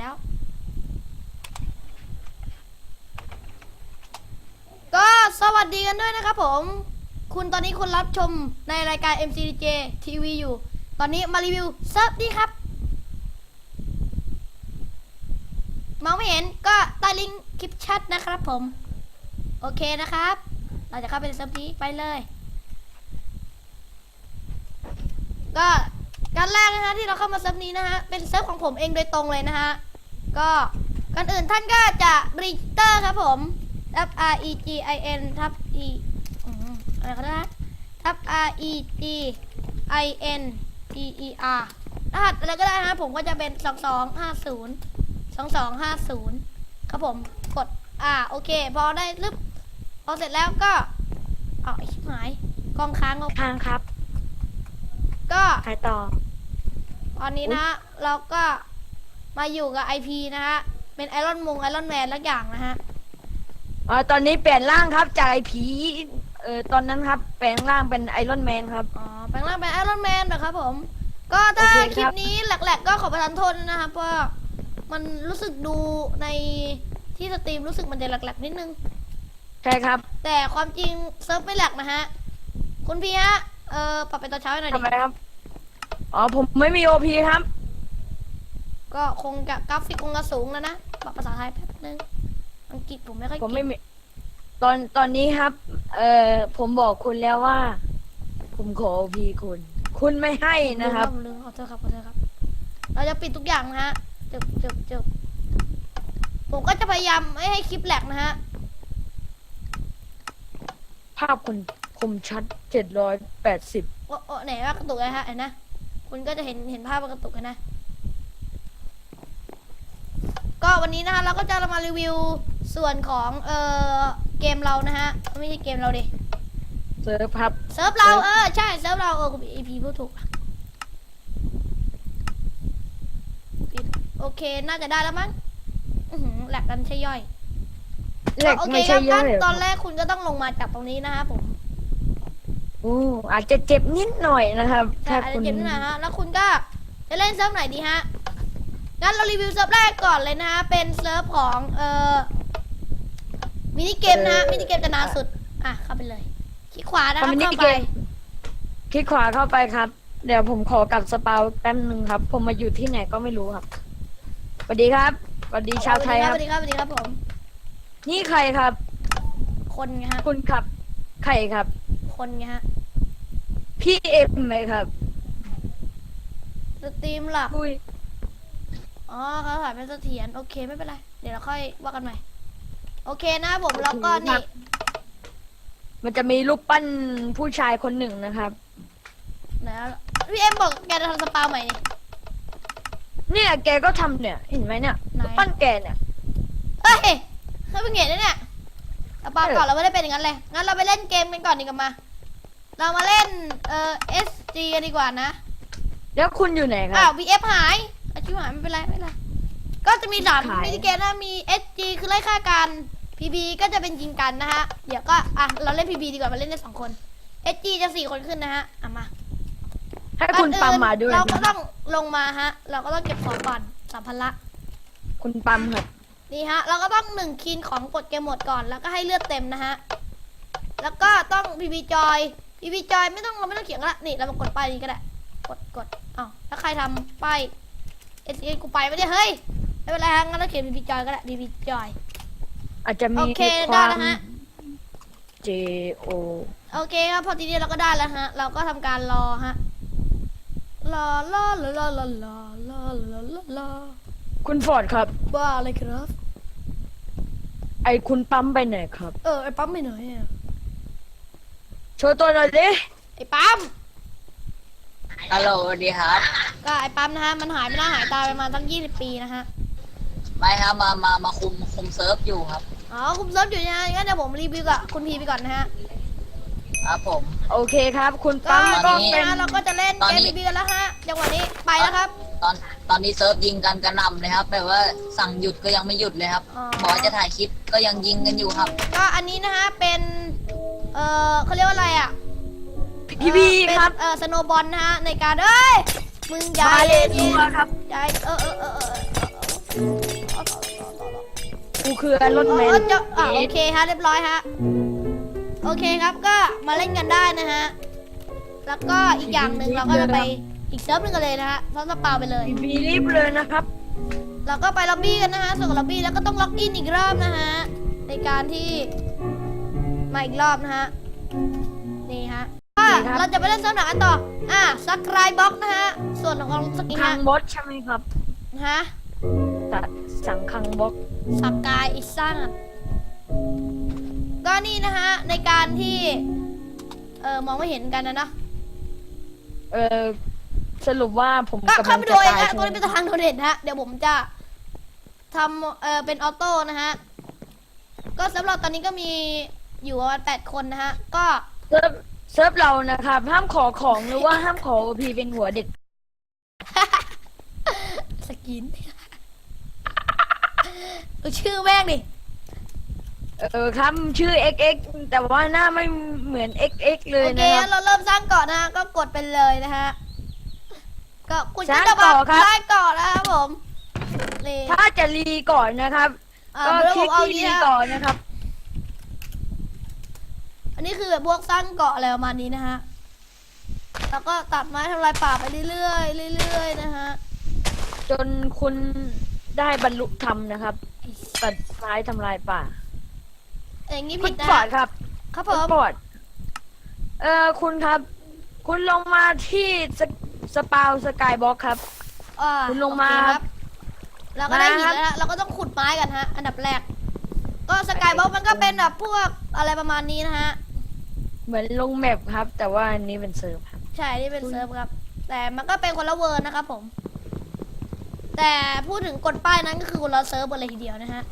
แล้วก็สวัสดีกันด้วยนะครับผมตอนนี้คุณรับชมในรายการ MCDJ TV อยู่ตอนนี้มารีวิวเซิร์ฟนี่ครับมองไม่เห็นก็ใต้ลิงก์คลิปแชทนะครับผมโอเคนะครับเราจะเข้าไปในเซิร์ฟนี้ไปเลยก็การแรกนะฮะที่เราเข้ามาเซิร์ฟนี้นะฮะเป็นเซิร์ฟของผมเองโดยตรงเลยนะฮะก็ก่อนอื่นท่านก็จะรีจิสเตอร์ครับผมทับ REGIN ทับ E อะไรก็ได้ทับ REGIN TER รหัสอะไรก็ได้ฮะผมก็จะเป็น2250ครับผมกดโอเคพอได้ลึบพอเสร็จแล้วก็ไอ้ชิบหายกองค้างครับก็ขายต่อตอนนี้นะฮะเราก็มาอยู่กับ IP นะฮะเป็นไอรอนแมนลักอย่างนะฮะตอนนี้เปลี่ยนร่างครับจากไอ้ผีตอนนั้นครับแปลงร่างเป็นไอรอนแมนครับแปลงร่างเป็นไอรอนแมนนะครับผมก็ถ้าคลิปนี้แหลกๆก็ขอประทานโทษนะครับเพราะมันรู้สึกดูในที่สตรีมรู้สึกมันจะแหลกๆนิดนึงใช่ครับแต่ความจริงเซิร์ฟไม่แหลกนะฮะคุณพี่ฮะปรับเป็นตอนเช้าหน่อยดิทำไมครับผมไม่มีโอพีครับก็คงจะกราฟิกคงจะสูงแล้วนะปรับภาษาไทยแป๊บนึงอังกฤษผมไม่ค่อยผมไม่มีตอนนี้ครับผมบอกคุณแล้วว่าผมขอโอพีคุณไม่ให้นะครับลืมขอโทษครับเราจะปิดทุกอย่างนะฮะจบผมก็จะพยายามไม่ให้คลิปแหลกนะฮะภาพคุณคมชัด780 ไหนว่ากระตุกเลยฮะเห็นนะคุณก็จะเห็นภาพกระตุกนะก็วันนี้นะคะเราก็จะมารีวิวส่วนของเกมเรานะฮะไม่ใช่เกมเราดิเซิร์ฟครับเซิร์ฟเราใช่เซิร์ฟเราคุณEPพูดถูกโอเคน่าจะได้แล้วมั้งแหลกกันใช่ย่อยโอเคครับตอนแรกคุณก็ต้องลงมาจากตรงนี้นะฮะผมอาจจะเจ็บนิดหน่อยนะครับถ้าคุณเจ็บนิดหน่อยฮะแล้วคุณก็จะเล่นเซิร์ฟไหนดีฮะงั้นเรารีวิวเซิร์ฟแรกก่อนเลยนะฮะเป็นเซิร์ฟของมินิเกมนะฮะมินิเกมจะนานสุดเข้าไปเลยคลิกขวานะครับเข้าไปคลิกขวาเข้าไปครับเดี๋ยวผมขอกลับสปาวแป๊บนึงครับผมมาอยู่ที่ไหนก็ไม่รู้ครับสวัสดีครับสวัสดีชาวไทยครับสวัสดีครับผมนี่ใครครับคนไงฮะคุณครับใครครับคนไงฮะพี่เอ็มไหมครับสตรีมหลักเขาถ่ายเป็นเสถียรโอเคไม่เป็นไรเดี๋ยวเราค่อยว่ากันใหม่โอเคนะผมแล้วก็นี่มันจะมีรูปปั้นผู้ชายคนหนึ่งนะครับนะพี่เอ็มบอกแกจะทำสปาใหม่เนี่ยแกก็ทำเนี่ยเห็นไหมเนี่ยรูปปั้นแกเนี่ยเฮ้ยเขาเป็นเงี้ยเนี่ยสปาก่อนเราไม่ได้เป็นอย่างนั้นเลยงั้นเราไปเล่นเกมกันก่อนดีกว่ามาเรามาเล่นSG กันดีกว่านะแล้วคุณอยู่ไหนครับ BF หายชิบหายไม่เป็นไรก็จะมี3มินิเกมนะมี SG คือไล่ฆ่ากัน PB ก็จะเป็นยิงกันนะฮะเดี๋ยวก็เราเล่น PB ดีกว่ามาเล่นได้2คน SG จะ4คนขึ้นนะฮะมาให้คุณปั๊มมาด้วยเราก็ต้องลงมาฮะเราก็ต้องเก็บของก่อนสัมภาระคุณปั๊มครับนี่ฮะเราก็ต้อง1คีนของกดเกมหมดก่อนแล้วก็ให้เลือดเต็มนะฮะแล้วก็ต้อง PB จอยไม่ต้องเราไม่ต้องเขียนก็ได้นี่เรามากดป้ายนี้ก็ได้กดแล้วใครทำป้ายSG กูไปไม่ได้เฮ้ยไม่เป็นไรฮะงั้นเราเขียน PB จอยก็ได้ PB จอยอาจจะมีโอเคได้แล้วฮะ JO โอเคครับพอทีนี้เราก็ได้แล้วฮะเราก็ทำการรอฮะรอคุณฟอร์ดครับบ้าอะไรครับไอคุณปั๊มไปไหนครับไอปั๊มไปไหนโชว์ตัวหน่อยดิไอปั๊มฮัลโหลสวัสดีครับก็ไอปั๊มนะฮะมันหายไปหน้าหายตาไปมาตั้ง20 ปีนะฮะไม่ครับมาคุมเซิร์ฟอยู่ครับคุมเซิร์ฟอยู่นะงั้นเดี๋ยวผมรีวิวกับคุณพีไปก่อนนะฮะครับผมโอเคครับคุณปั๊มก็เป็นเราก็จะเล่นเกมพีกันแล้วฮะจังหวะนี้ไปแล้วครับตอนนี้เซิร์ฟยิงกันกระหน่ำเลยครับแบบว่าสั่งหยุดก็ยังไม่หยุดเลยครับบอกจะถ่ายคลิปก็ยังยิงกันอยู่ครับก็อันนี้นะฮะเป็นเขาเรียกว่าอะไรพี่ครับสโนบอลนะฮะในการมึงอย่าเล่นครับอย่ากูคือไอรอนแมนโอเคฮะเรียบร้อยฮะโอเคครับก็มาเล่นกันได้นะฮะแล้วก็อีกอย่างหนึ่งเราก็จะไปอีกเซิร์ฟหนึงกันเลยนะฮะเพราะสปาไปเลยบีรีบเลยนะครับเราก็ไปล็อบบี้กันนะฮะส่วนล็อบบี้แล้วก็ต้องล็อกอินอีกรอบนะฮะในการที่มาอีกรอบนะฮะนี่ฮะเราจะไปเล่นเซิร์ฟไหนกันต่อซักไรบ็อกนะฮะส่วนของสกินคัฮะงบอสใช่ไหมครับฮะสั่งคังบอสสกายอิซ่าก็นี่นะฮะในการที่มองไม่เห็นกันนะสรุปว่าผมก็กำลัเข้าง ไปจะดูเองตายฮะตัวนี้เป็นทางโดเด่นฮะเดี๋ยวผมจะทำเป็นออโต้นะฮะก็สำหรับตอนนี้ก็มีอยู่ประมาณ8 คนนะฮะก็เซิร์ฟเรานะครับห้ามขอของหรือว่าห้ามขอ OP เป็นหัวเด็ดสกินดูชื่อแม่งดิครับชื่อ XX แต่ว่าหน้าไม่เหมือน XX เลยโอเคนะครับเราเริ่มสร้างเกาะนะฮะก็กดไปเลยนะฮะก็คุณสร้างจะมาเกาะครับสร้างเกาะนะครับผมนี่ถ้าจะรีก่อนนะครับ ก็เดี๋ยวคผลิกมเอาที่นี้รีนะก่อนนะครับอันนี้คือแบบพวกสร้างเกาะอะไรประมาณนี้นะฮะแล้วก็ตัดไม้ทำลายป่าไปเรื่อยๆเรื่อยๆนะฮะจนคุณได้บรรลุธรรมนะครับตัดไม้ทำลายป่าอย่างนี้คุผิณดนะปอดครับครับผคุณมปอดคุณครับ คุณลงมาที่สปาวสกายบ็อกครับ คุณลงมาโอเคครับเราก็ได้มาหิครันบแล้วนะเราก็ต้องขุดไม้กันฮะอันดับแรก ก็สกายบ็อกมันก็เป็นแบบพวกอะไรประมาณนี้นะฮะเหมือนลงแมปครับ แต่ว่าอันนี้เป็นเซิร์ฟครับใช่นี่เป็นเซิร์ฟครับ แต่มันก็เป็นคนละเวอร์นะครับผม แต่พูดถึงกดป้ายนั้นก็คือคนละเซิร์ฟกันเลยทีเดียวนะฮะ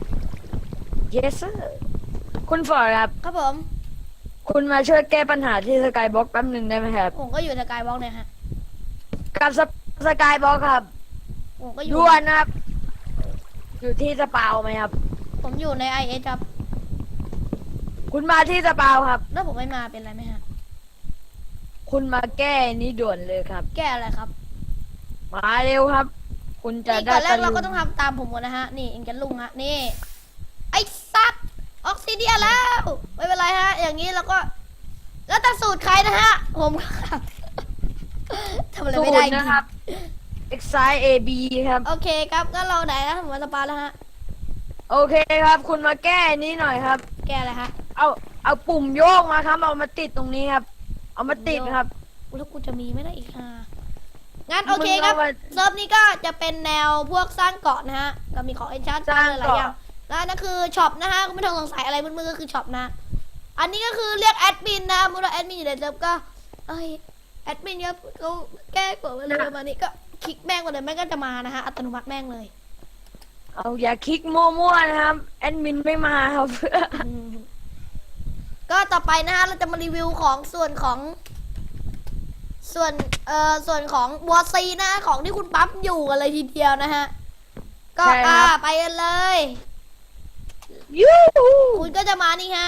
yes sir คุณฟอร์ดครับครับผมคุณมาช่วยแก้ปัญหาที่สกายบ็อกแป๊บหนึ่งได้ไหมครับผมก็อยู่สกายบ็อกเนี่ยฮะกับสกายบ็อกครับผมก็อยู่ด่วนนะครับ อยู่ที่สปาวไหมครับผมอยู่ใน IS ครับคุณมาที่สปาวครับแล้วผมไม่มาเป็นไรไหมฮะคุณมาแก้นี้ด่วนเลยครับแก้อะไรครับมาเร็วครับ คุณจะนี่ได้ก่อนแรกเราลุก็ต้องทำตามผมก่อนนะฮะ นี่เองจะลุงฮะ นี่ ไอ้สัตว์ออกซิเดียนแล้ว ไม่เป็นไรฮะ อย่างนี้เราก็ แล้วแต่สูตรใครนะฮะ ผมครับ ทำอะไรสูไม่ตได้รจริงนะครับ Excite AB ครับโอเคครับก็เราไหนนะผมมาสปาแล้วฮะโอเคครับ คุณมาแก้นี้หน่อยครับแก้อะไรฮะเอาปุ่มโยกมาครับ เอามาติดตรงนี้ครับ เอามาติดครับแล้วกูจะมีไม่ได้อีกค่ะงั้นโอเคครับมึงเอามาเซิร์ฟนี้ก็จะเป็นแนวพวกสร้างเกาะนะฮะก็มีของเอนชาร์สร้างหลายๆเกาะอย่างแล้วนั่นคือช็อปนะฮะก็ไม่ต้องสงสัยอะไรมืดๆก็คือช็อปนะ อันนี้ก็คือเรียกแอดมินนะเมื่อแอดมินอยู่ในเซิร์ฟก็เอ้ยแอดมินครับเขาแก้กฎอะไรประมาณนี้ก็คลิกแม่งมาเลยแม่งก็จะมานะฮะอัตโนมัติแม่งเลยเอาอย่าคลิกมั่วๆนะครับ แอดมินไม่มาครับอืมก็ต่อไปนะฮะเราจะมารีวิวของส่วนของส่วนของบัวซีนะของที่คุณปั๊มอยู่กันเลยทีเดียวนะฮะก็ใช่ครับไปกันเลยยูหูคุณก็จะมานี่ฮะ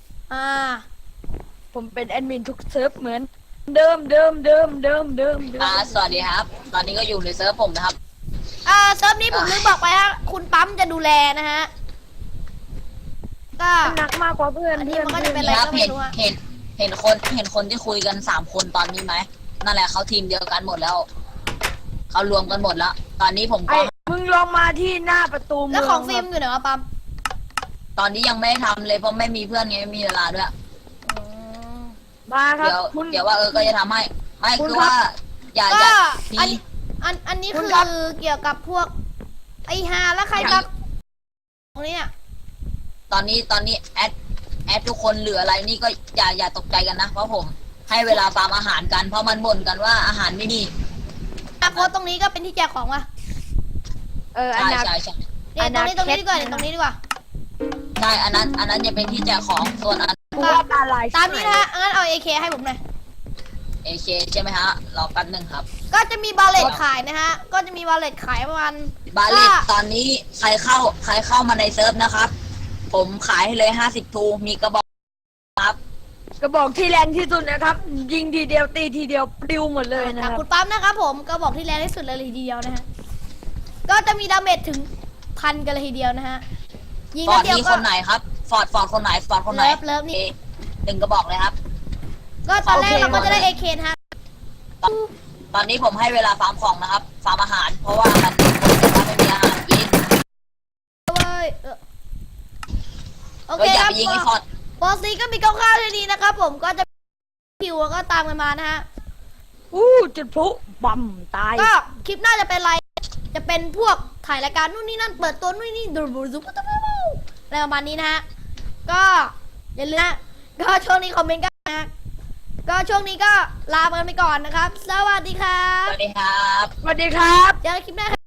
ผมเป็นแอดมินทุกเซิร์ฟเหมือนเดิมสวัสดีครับ ตอนนี้ก็อยู่ในเซิร์ฟผมนะครับเซิร์ฟนี้ผมลืมบอกไปฮะคุณปั๊มจะดูแลนะฮะก็หนักมากกว่าเพื่อนอันนี้เพื่อนมันก็จะเป็นนี่ครับก็ไม่เห็นรู้อะเห็นคนที่คุยกัน3 คนตอนนี้ไหมนั่นแหละเขาทีมเดียวกันหมดแล้วเขารวมกันหมดแล้ว ตอนนี้ผมไอ้ก็มึงลองมาที่หน้าประตูเมืแล้วองของฟิคล์รัมบอยู่ไหนวะปั๊มตอนนี้ยังไม่ได้ทำเลยเพราะไม่มีเพื่อนไงไม่มีเวลาด้วยอืมมาครับเดี๋ยวคุณเดี๋ยวว่าก็จะทำให้ไม่คุณคือครับว่าอย่าก็มีอันนี้คุคืณอครับเกี่ยวกับพวกไอฮาแล้วใครมาตรงนี้อ่ะตอนนี้แอดทุกคนเหลืออะไรนี่ก็อย่าตกใจกันนะเพราะผมให้เวลาฟาร์มอาหารกันเพราะมันบ่นกันว่าอาหารไม่ดีโพสต์ตรงนี้ก็เป็นที่แจกของว่ะอันใช่นั้นใช่ใช่เนี่ยตรงนี้ดีกว่าเนี่ยตรงนี้ดีกว่าใช่อันนั้นจะเป็นที่แจกของส่วนอันกูว่าตาลายตามนี้นะฮะงั้นเอา AK ให้ผมหน่อยเอเคใช่ไหมฮะรอแป๊บหนึงครับก็จะมีบาเลตขายนะฮะ ก็จะมีบาเลตขายประมาณบาเลตตอนนี้ใครเข้ามาในเซิร์ฟนะครับ ผมขายให้เลย50 ทูมีกระบอกครับกระบอกที่แรงที่สุดนะครับ ยิงทีเดียวตีทีเดียวปลิวหมดเลยนะจากครับคุณปั๊มนะครับผมก็บอกที่แรงที่สุดเลยทีเดียวนะฮะก็จะมีดาเมจถึง1,000 กันเลยทีเดียวนะฮะ ยิงฟอนัร์ดดเดียวนี่ก็คนไหนครับ ฟอร์ดคนไหน ฟอร์ดคนไหนเลิฟนี่หนึ่งกระบอกเลยครับก็ตอนแรกโอเคเราก็จะได้เอเคนะฮะตอนนี้ผมให้เวลาฟาร์มของนะครับ ฟาร์มอาหาร เพราะว่ามันไม่มีอาหารกินเว้ยโอก็เคอย่าครับไปยิงไอ้ฟอร์ดบอสซีก็มีคร่าวๆแค่นี้นะครับผมก็จะคิวแล้วก็ตามกันมานะฮะจุดพลุบั่มตายก็คลิปหน้าจะเป็นอะไร จะเป็นพวกถ่ายรายการนู่นนี่นั่นเปิดตัวนู่นนี่ดูบูซุปอะไรประมาณนี้นะฮะ ก็อย่าลืมนะก็ช่วงนี้คอมเมนต์กันนะก็ช่วงนี้ก็ลาไปก่อนนะครับ สวัสดีครัสบวัสดีครับสวัสดีครับเจอกันคลิปหน้า